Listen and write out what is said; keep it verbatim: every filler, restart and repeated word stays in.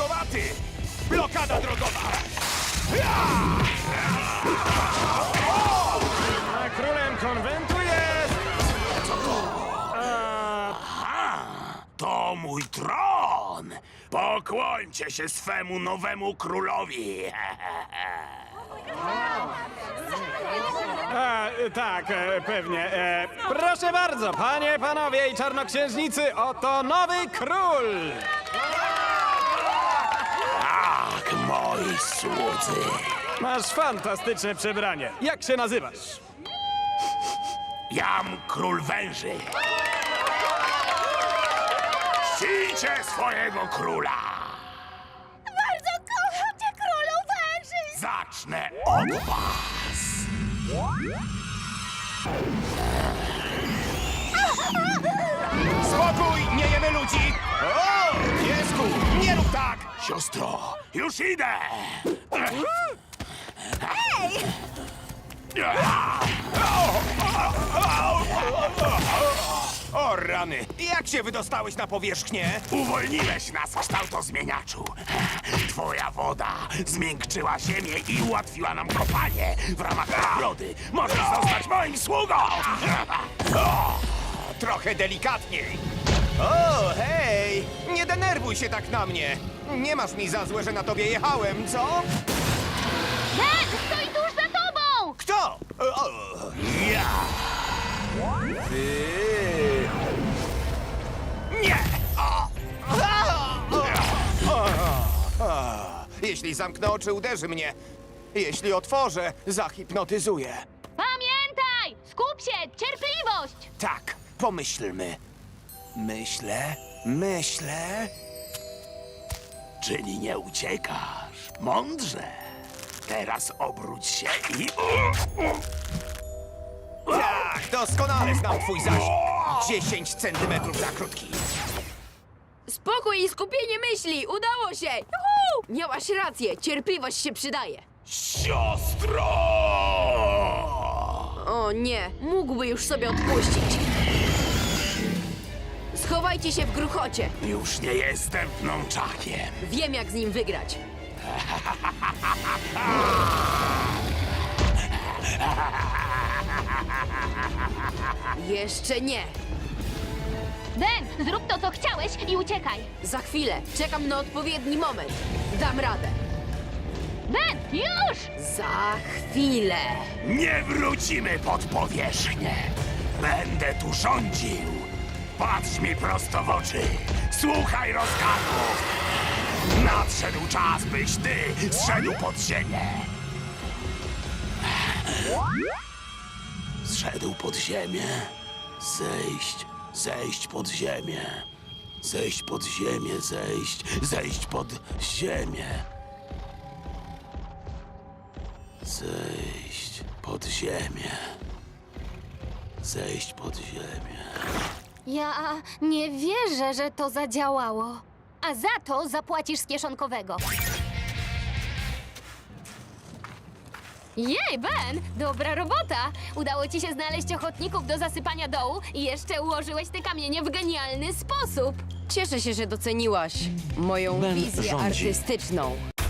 gotowaty! Blokada drogowa! A królem konwentu jest... To mój tron! Pokłońcie się swemu nowemu królowi! A, tak, e, pewnie. E, proszę bardzo, panie, panowie i czarnoksiężnicy, oto nowy król! Tak, moi słudzy! Masz fantastyczne przebranie. Jak się nazywasz? Jam król węży! Czcijcie swojego króla! Bardzo kocham cię, królu węży! Zacznę od was! Spokój, nie jemy ludzi! O, piesku, nie rób tak! Siostro, już idę! Ej! O rany, jak się wydostałeś na powierzchnię? Uwolniłeś nas, kształtozmieniaczu. Twoja woda zmiękczyła ziemię i ułatwiła nam kopanie. W ramach nagrody możesz zostać moim sługą! O, trochę delikatniej. O, hej! Nie denerwuj się tak na mnie. Nie masz mi za złe, że na tobie jechałem, co? Ben, stoi tuż za tobą! Kto? O, ja! Ty! Nie! O! Jeśli zamknę oczy, uderzy mnie. Jeśli otworzę, zahipnotyzuje. Pamiętaj! Skup się! Cierpliwość! Tak, pomyślmy. Myślę, myślę. Czyli nie uciekasz. Mądrze. Teraz obróć się i... Tak, doskonale znam twój zasięg. dziesięć centymetrów za krótki. Spokój i skupienie myśli! Udało się! Juhu! Miałaś rację, cierpliwość się przydaje. Siostro! O nie, mógłby już sobie odpuścić. Schowajcie się w gruchocie. Już nie jestem pnączakiem. Wiem, jak z nim wygrać. Jeszcze nie. Ben, zrób to, co chciałeś i uciekaj! Za chwilę. Czekam na odpowiedni moment. Dam radę. Ben, już! Za chwilę. Nie wrócimy pod powierzchnię. Będę tu rządził. Patrz mi prosto w oczy. Słuchaj rozkazów. Nadszedł czas, byś ty zszedł pod ziemię. Zszedł pod ziemię. Zejść, zejść pod ziemię. Zejść pod ziemię, zejść, zejść pod ziemię. Zejść pod ziemię. Zejść pod ziemię. Ja nie wierzę, że to zadziałało. A za to zapłacisz z kieszonkowego. Jej, Ben! Dobra robota! Udało ci się znaleźć ochotników do zasypania dołu i jeszcze ułożyłeś te kamienie w genialny sposób. Cieszę się, że doceniłaś moją Ben wizję rządzi. artystyczną.